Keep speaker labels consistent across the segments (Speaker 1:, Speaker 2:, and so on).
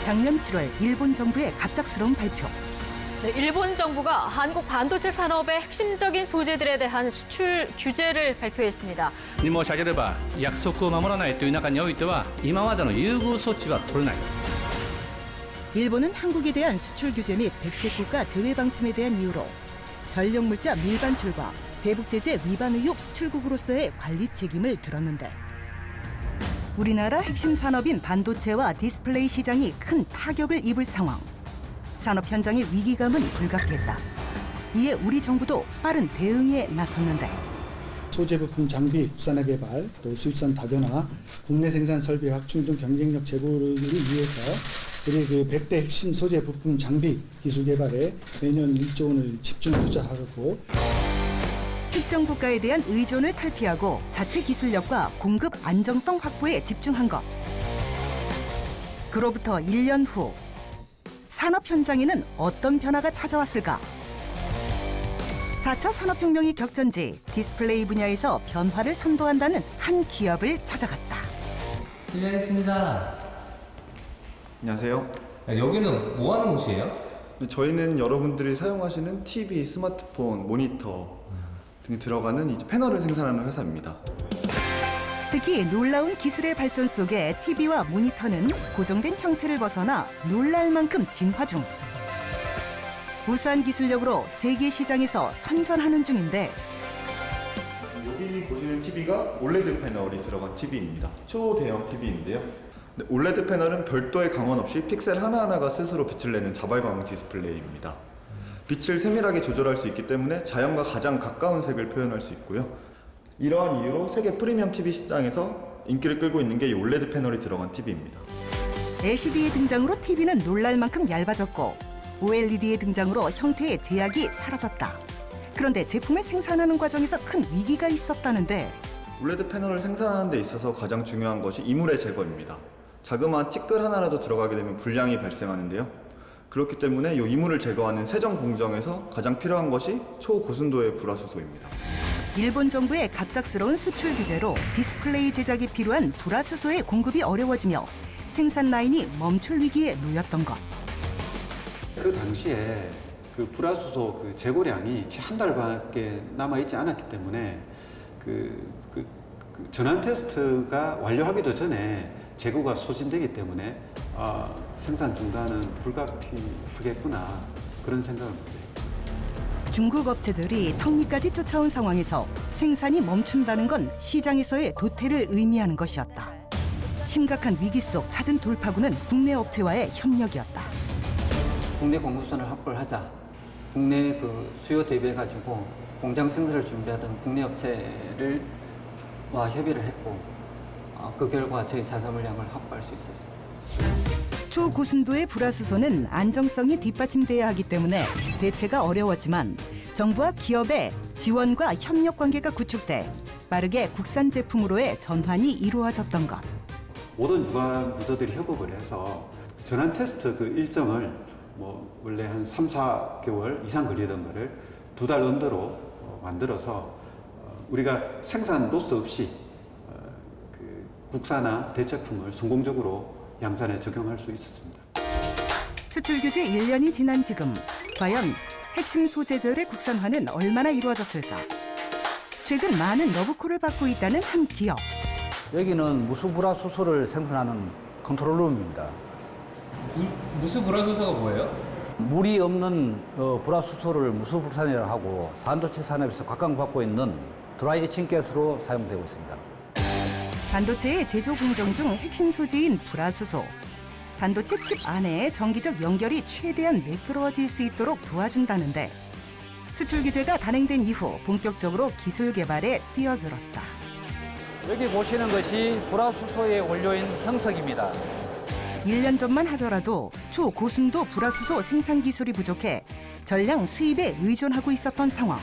Speaker 1: 작년 7월 일본 정부의 갑작스러운 발표.
Speaker 2: 네, 일본 정부가 한국 반도체 산업의 핵심적인 소재들에 대한 수출 규제를 발표했습니다.
Speaker 3: に申し上げれば約束を守らないという中においては今までの優遇措置は取れない。
Speaker 1: 일본은 한국에 대한 수출 규제 및 백색 국가 제외 방침에 대한 이유로 전력물자 밀반출과 대북 제재 위반 의혹 수출국으로서의 관리 책임을 들었는데 우리나라 핵심 산업인 반도체와 디스플레이 시장이 큰 타격을 입을 상황. 산업 현장의 위기감은 불가피했다. 이에 우리 정부도 빠른 대응에 나섰는데
Speaker 4: 소재 부품 장비 국산화 개발, 또 수입산 다변화, 국내 생산 설비 확충 등 경쟁력 제고를 위해서 우리 그 100대 핵심 소재 부품 장비 기술 개발에 매년 1조 원을 집중 투자하고
Speaker 1: 특정 국가에 대한 의존을 탈피하고 자체 기술력과 공급 안정성 확보에 집중한 것. 그로부터 1년 후 산업 현장에는 어떤 변화가 찾아왔을까? 4차 산업혁명이 격전지 디스플레이 분야에서 변화를 선도한다는 한 기업을 찾아갔다.
Speaker 5: 실례하겠습니다.
Speaker 6: 안녕하세요.
Speaker 5: 여기는 뭐 하는 곳이에요?
Speaker 6: 저희는 여러분들이 사용하시는 TV, 스마트폰, 모니터 등이 들어가는 이제 패널을 생산하는 회사입니다.
Speaker 1: 특히 놀라운 기술의 발전 속에 TV와 모니터는 고정된 형태를 벗어나 놀랄 만큼 진화 중. 우수한 기술력으로 세계 시장에서 선전하는 중인데
Speaker 6: 여기 보시는 TV가 올레드 패널이 들어간 TV입니다. 초대형 TV인데요. 올레드 패널은 별도의 강원 없이 픽셀 하나하나가 스스로 빛을 내는 자발광 디스플레이입니다. 빛을 세밀하게 조절할 수 있기 때문에 자연과 가장 가까운 색을 표현할 수 있고요. 이러한 이유로 세계 프리미엄 TV 시장에서 인기를 끌고 있는 게 이 올레드 패널이 들어간 TV입니다.
Speaker 1: LCD의 등장으로 TV는 놀랄 만큼 얇아졌고 OLED의 등장으로 형태의 제약이 사라졌다. 그런데 제품을 생산하는 과정에서 큰 위기가 있었다는데
Speaker 6: 올레드 패널을 생산하는 데 있어서 가장 중요한 것이 이물의 제거입니다. 자그마한 티끌 하나라도 들어가게 되면 불량이 발생하는데요. 그렇기 때문에 이 이물을 제거하는 세정 공정에서 가장 필요한 것이 초고순도의 불화수소입니다.
Speaker 1: 일본 정부의 갑작스러운 수출 규제로 디스플레이 제작이 필요한 불화수소의 공급이 어려워지며 생산 라인이 멈출 위기에 놓였던 것.
Speaker 7: 그 당시에 그 불화수소 그 재고량이 한 달밖에 남아 있지 않았기 때문에 그 전환 테스트가 완료하기도 전에 재고가 소진되기 때문에 생산 중단은 불가피하겠구나 그런 생각을 못해요.
Speaker 1: 중국 업체들이 턱밑까지 쫓아온 상황에서 생산이 멈춘다는 건 시장에서의 도태를 의미하는 것이었다. 심각한 위기 속 찾은 돌파구는 국내 업체와의 협력이었다.
Speaker 8: 국내 공급선을 확보를 하자. 국내 그 수요 대비해가지고 공장 생산을 준비하던 국내 업체를 협의를 했고 그 결과 저희 자사 물량을 확보할 수 있었습니다.
Speaker 1: 초고순도의 불화수소는 안정성이 뒷받침돼야 하기 때문에 대체가 어려웠지만 정부와 기업의 지원과 협력 관계가 구축돼 빠르게 국산 제품으로의 전환이 이루어졌던 것.
Speaker 7: 모든 유관 부서들이 협업을 해서 전환 테스트 그 일정을 원래 한 3, 4개월 이상 걸리던 거를 2달 언더로 만들어서 우리가 생산 로스 없이 그 국산화 대체품을 성공적으로 양산에 적용할 수 있었습니다.
Speaker 1: 수출 규제 1년이 지난 지금 과연 핵심 소재들의 국산화는 얼마나 이루어졌을까? 최근 많은 러브콜을 받고 있다는 한 기업.
Speaker 9: 여기는 무수불화수소를 생산하는 컨트롤룸입니다.
Speaker 5: 무수불화수소가 뭐예요?
Speaker 9: 물이 없는 불화수소를 무수불산이라고 하고 반도체 산업에서 각광받고 있는 드라이 에칭가스로 사용되고 있습니다.
Speaker 1: 반도체의 제조 공정 중 핵심 소재인 불화수소. 반도체 칩 안에 정기적 연결이 최대한 매끄러워질 수 있도록 도와준다는데 수출 규제가 단행된 이후 본격적으로 기술 개발에 뛰어들었다.
Speaker 9: 여기 보시는 것이 불화수소의 원료인 형석입니다.
Speaker 1: 1년 전만 하더라도 초고순도 불화수소 생산 기술이 부족해 전량 수입에 의존하고 있었던 상황.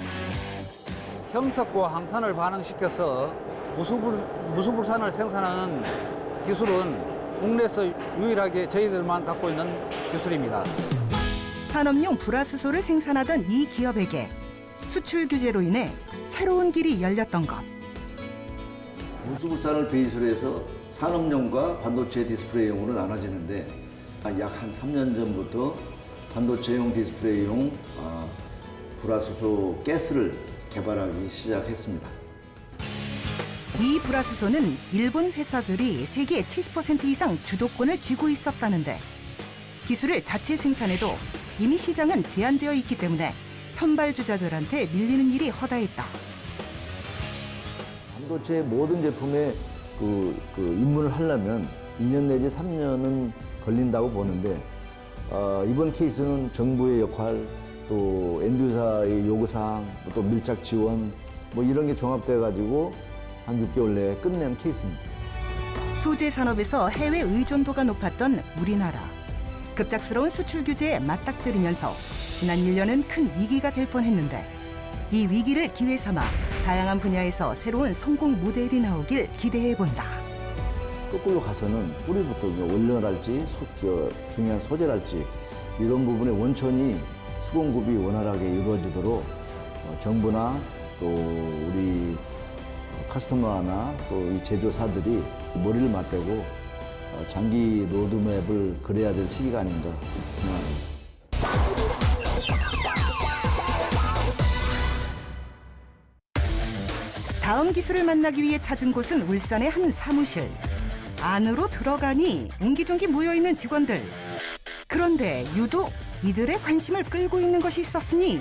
Speaker 9: 형석과 항산을 반응시켜서 무수불산을 생산하는 기술은 국내에서 유일하게 저희들만 갖고 있는 기술입니다.
Speaker 1: 산업용 불화수소를 생산하던 이 기업에게 수출 규제로 인해 새로운 길이 열렸던 것.
Speaker 10: 무수불산을 베이스로 해서 산업용과 반도체 디스플레이용으로 나눠지는데 약 한 3년 전부터 반도체용 디스플레이용 불화수소 가스를 개발하기 시작했습니다.
Speaker 1: 이 불화수소는 일본 회사들이 세계 70% 이상 주도권을 쥐고 있었다는데 기술을 자체 생산해도 이미 시장은 제한되어 있기 때문에 선발주자들한테 밀리는 일이 허다했다.
Speaker 10: 반도체 모든 제품에 입문을 하려면 2년 내지 3년은 걸린다고 보는데 이번 케이스는 정부의 역할, 또 엔드유저의 요구사항, 또 밀착 지원 뭐 이런 게 종합돼 가지고 한 6개월 내에 끝낸 케이스입니다.
Speaker 1: 소재 산업에서 해외 의존도가 높았던 우리나라. 급작스러운 수출 규제에 맞닥뜨리면서 지난 1년은 큰 위기가 될 뻔했는데 이 위기를 기회 삼아 다양한 분야에서 새로운 성공 모델이 나오길 기대해 본다.
Speaker 10: 거꾸로 가서는 뿌리부터 원료랄지 중요한 소재랄지 이런 부분의 원천이 수공급이 원활하게 이루어지도록 정부나 또 우리 커스터머나 또 이 제조사들이 머리를 맞대고 장기 로드맵을 그려야 될 시기가 아닌가 이렇게 생각합니다.
Speaker 1: 다음 기술을 만나기 위해 찾은 곳은 울산의 한 사무실. 안으로 들어가니 옹기종기 모여있는 직원들. 그런데 유독 이들의 관심을 끌고 있는 것이 있었으니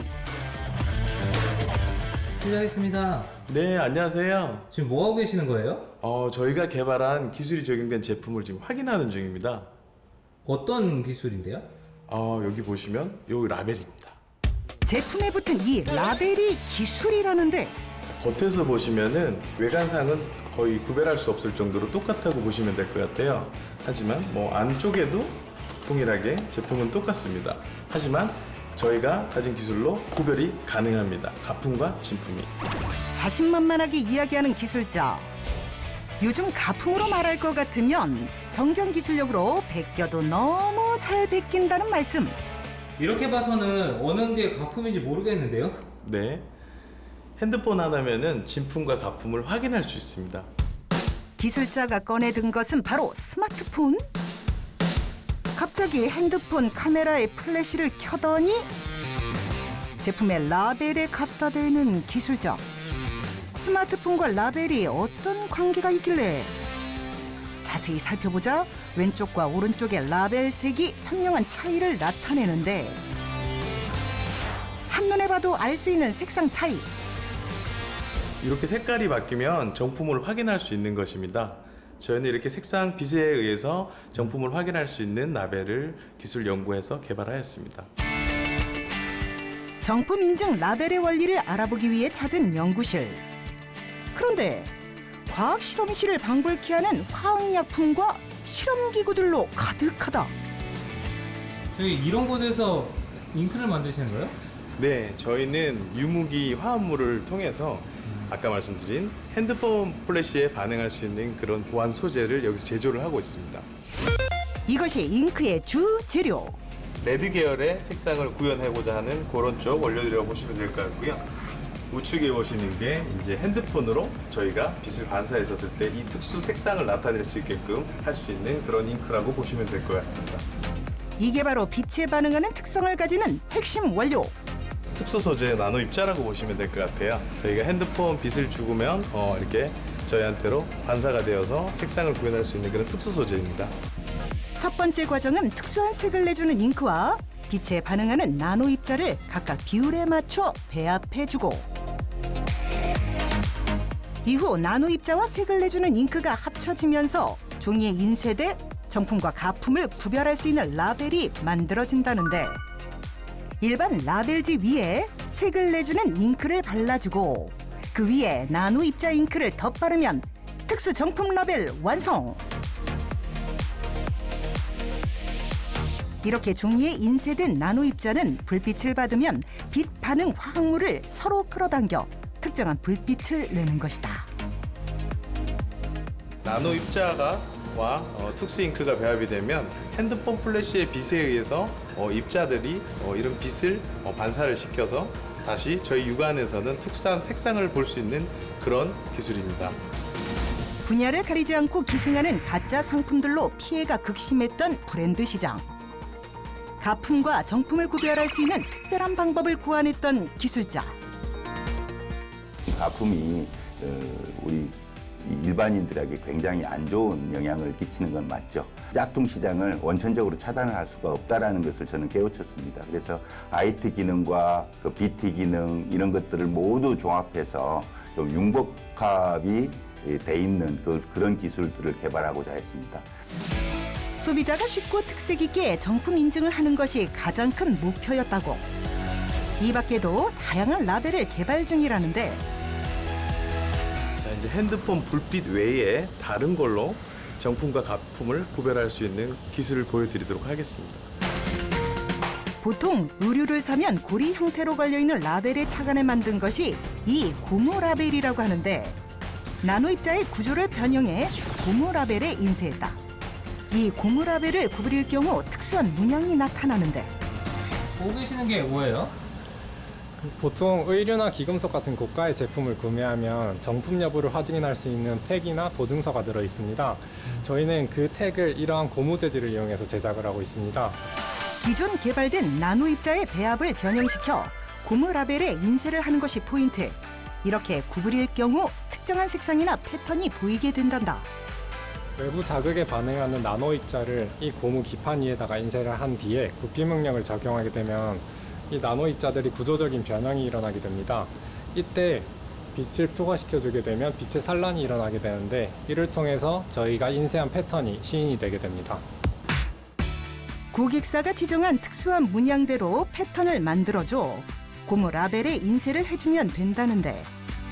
Speaker 5: 실례하겠습니다.
Speaker 11: 네, 안녕하세요.
Speaker 5: 지금 뭐 하고 계시는 거예요?
Speaker 11: 저희가 개발한 기술이 적용된 제품을 지금 확인하는 중입니다.
Speaker 5: 어떤 기술인데요?
Speaker 11: 여기 보시면 요 라벨입니다.
Speaker 1: 제품에 붙은 이 라벨이 기술이라는데
Speaker 11: 겉에서 보시면은 외관상은 거의 구별할 수 없을 정도로 똑같다고 보시면 될 것 같아요. 하지만 뭐 안쪽에도 동일하게 제품은 똑같습니다. 하지만 저희가 가진 기술로 구별이 가능합니다. 가품과 진품이.
Speaker 1: 자신만만하게 이야기하는 기술자. 요즘 가품으로 말할 것 같으면 정경 기술력으로 베껴도 너무 잘 베낀다는 말씀.
Speaker 5: 이렇게 봐서는 어느 게 가품인지 모르겠는데요?
Speaker 11: 네. 핸드폰 하나면은 진품과 가품을 확인할 수 있습니다.
Speaker 1: 기술자가 꺼내든 것은 바로 스마트폰? 갑자기 핸드폰 카메라에 플래시를 켜더니 제품의 라벨에 갖다 대는 기술자. 스마트폰과 라벨이 어떤 관계가 있길래? 자세히 살펴보자 왼쪽과 오른쪽의 라벨 색이 선명한 차이를 나타내는데 한눈에 봐도 알 수 있는 색상 차이.
Speaker 11: 이렇게 색깔이 바뀌면 정품을 확인할 수 있는 것입니다. 저희는 이렇게 색상 빛에 의해서 정품을 확인할 수 있는 라벨을 기술 연구해서 개발하였습니다.
Speaker 1: 정품 인증 라벨의 원리를 알아보기 위해 찾은 연구실. 그런데 과학 실험실을 방불케 하는 화학약품과 실험기구들로 가득하다.
Speaker 5: 저희 이런 곳에서 잉크를 만드시는 거예요?
Speaker 11: 네, 저희는 유무기 화합물을 통해서 아까 말씀드린 핸드폰 플래시에 반응할 수 있는 그런 보안 소재를 여기서 제조를 하고 있습니다.
Speaker 1: 이것이 잉크의 주 재료.
Speaker 11: 레드 계열의 색상을 구현하고자 하는 그런 쪽 원료들이라고 보시면 될 것 같고요. 우측에 보시는 게 이제 핸드폰으로 저희가 빛을 반사했었을 때 이 특수 색상을 나타낼 수 있게끔 할 수 있는 그런 잉크라고 보시면 될 것 같습니다.
Speaker 1: 이게 바로 빛에 반응하는 특성을 가지는 핵심 원료.
Speaker 11: 특수 소재 나노 입자라고 보시면 될 것 같아요. 저희가 핸드폰 빛을 죽으면 이렇게 저희한테로 반사가 되어서 색상을 구현할 수 있는 그런 특수 소재입니다.
Speaker 1: 첫 번째 과정은 특수한 색을 내주는 잉크와 빛에 반응하는 나노 입자를 각각 비율에 맞춰 배합해주고 이후 나노 입자와 색을 내주는 잉크가 합쳐지면서 종이에 인쇄돼 정품과 가품을 구별할 수 있는 라벨이 만들어진다는데 일반 라벨지 위에 색을 내주는 잉크를 발라주고 그 위에 나노 입자 잉크를 덧바르면 특수 정품 라벨 완성! 이렇게 종이에 인쇄된 나노 입자는 불빛을 받으면 빛 반응 화학물을 서로 끌어당겨 특정한 불빛을 내는 것이다.
Speaker 11: 나노 입자와 특수 잉크가 배합이 되면 핸드폰 플래시의 빛에 의해서 입자들이 이런 빛을 반사를 시켜서 다시 저희 육안에서는 특수한 색상을 볼 수 있는 그런 기술입니다.
Speaker 1: 분야를 가리지 않고 기승하는 가짜 상품들로 피해가 극심했던 브랜드 시장. 가품과 정품을 구별할 수 있는 특별한 방법을 고안했던 기술자.
Speaker 12: 가품이 우리 일반인들에게 굉장히 안 좋은 영향을 끼치는 건 맞죠. 짝퉁 시장을 원천적으로 차단을 할 수가 없다는 것을 저는 깨우쳤습니다. 그래서 IT 기능과 그 BT 기능 이런 것들을 모두 종합해서 좀 융복합이 돼 있는 그런 기술들을 개발하고자 했습니다.
Speaker 1: 소비자가 쉽고 특색 있게 정품 인증을 하는 것이 가장 큰 목표였다고. 이 밖에도 다양한 라벨을 개발 중이라는데
Speaker 11: 이제 핸드폰 불빛 외에 다른 걸로 정품과 가품을 구별할 수 있는 기술을 보여드리도록 하겠습니다.
Speaker 1: 보통 의류를 사면 고리 형태로 걸려있는 라벨에 착안해 만든 것이 이 고무 라벨이라고 하는데 나노 입자의 구조를 변형해 고무 라벨에 인쇄했다. 이 고무 라벨을 구부릴 경우 특수한 문양이 나타나는데
Speaker 5: 보고 계시는 게 뭐예요?
Speaker 13: 보통 의류나 기금속 같은 고가의 제품을 구매하면 정품 여부를 확인할 수 있는 택이나 보증서가 들어 있습니다. 저희는 그 택을 이러한 고무 재질을 이용해서 제작을 하고 있습니다.
Speaker 1: 기존 개발된 나노 입자의 배합을 변형시켜 고무 라벨에 인쇄를 하는 것이 포인트. 이렇게 구부릴 경우 특정한 색상이나 패턴이 보이게 된단다.
Speaker 13: 외부 자극에 반응하는 나노 입자를 이 고무 기판 위에다가 인쇄를 한 뒤에 굽기 명령을 적용하게 되면 이 나노 입자들이 구조적인 변형이 일어나게 됩니다. 이때 빛을 투과시켜주게 되면 빛의 산란이 일어나게 되는데 이를 통해서 저희가 인쇄한 패턴이 시인이 되게 됩니다.
Speaker 1: 고객사가 지정한 특수한 문양대로 패턴을 만들어줘 고무 라벨에 인쇄를 해주면 된다는데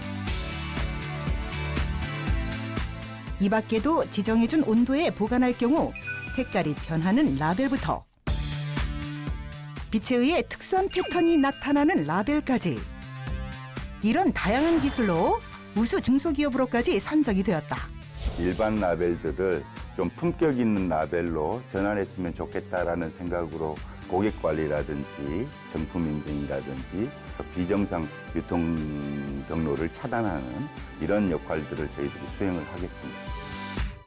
Speaker 1: 이 밖에도 지정해준 온도에 보관할 경우 색깔이 변하는 라벨부터 빛에 의해 특수한 패턴이 나타나는 라벨까지 이런 다양한 기술로 우수 중소기업으로까지 선정이 되었다.
Speaker 12: 일반 라벨들을 좀 품격 있는 라벨로 전환했으면 좋겠다라는 생각으로 고객 관리라든지 정품 인증이라든지 비정상 유통 경로를 차단하는 이런 역할들을 저희들이 수행을 하겠습니다.